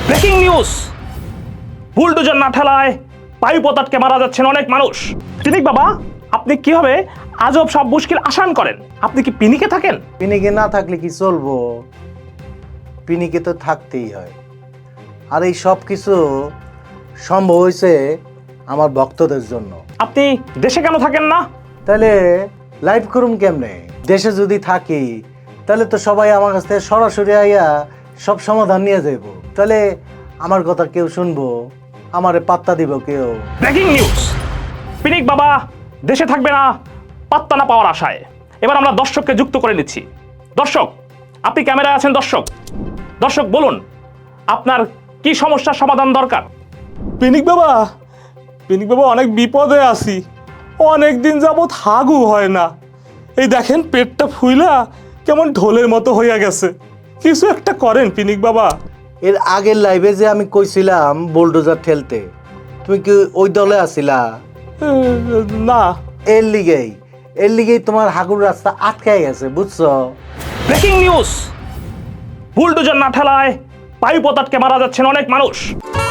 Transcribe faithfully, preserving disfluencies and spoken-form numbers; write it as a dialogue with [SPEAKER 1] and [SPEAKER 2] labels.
[SPEAKER 1] Breaking news, bulldozer না ঠেলায় বায়ু পতাটকে মারা যাচ্ছেন অনেক মানুষ। পিনিক বাবা, আপনি কিভাবে আজব সব মুশকিল আসান করেন? আপনি কি পিনিকে থাকেন?
[SPEAKER 2] পিনিকে না থাকলে কি চলবো? পিনিকে তো থাকতেই হয়। আর এই সব কিছু সম্ভব হয়েছে আমার ভক্তদের জন্য।
[SPEAKER 1] আপনি দেশে কেন থাকেন না?
[SPEAKER 2] তাহলে লাইভ করুম কেমনে? দেশে যদি থাকি তাহলে তো সবাই আমার কাছ থেকে সরাসরি আইয়া সব সমাধান নিয়ে যাইব। তাহলে আমার কথা কেউ শুনবো? আমারে পাত্তা দিব কেউ?
[SPEAKER 1] ব্রেকিং নিউজ, পিনিক বাবা দেশে থাকবে না পাত্তা না পাওয়ার আশায়। এবার আমরা দর্শককে যুক্ত করে নিচ্ছি। দর্শক, আপনি ক্যামেরায় আছেন। দর্শক দর্শক বলুন, আপনার কি সমস্যার সমাধান দরকার?
[SPEAKER 3] পিনিক বাবা, পিনিক বাবা অনেক বিপদে আছি। অনেক দিন যাবৎ হাগু হয় না। এই দেখেন পেটটা ফুইলা কেমন ঢোলের মতো হইয়া গেছে। কিছু একটা করেন পিনিক বাবা।
[SPEAKER 2] এর আগের লাইভে যে আমি কইছিলাম বুলডোজার ঠেলতে, তুমি কি ওই দলে আছিলা?
[SPEAKER 3] এ, না।
[SPEAKER 2] এর লিগেই এর লিগেই তোমার হাগুর রাস্তা আটকায় গেছে, বুঝছো?
[SPEAKER 1] ব্রেকিং নিউজ, বুলডোজার না ঠেলায় বায়ু পতাটকে মারা যাচ্ছেন অনেক মানুষ।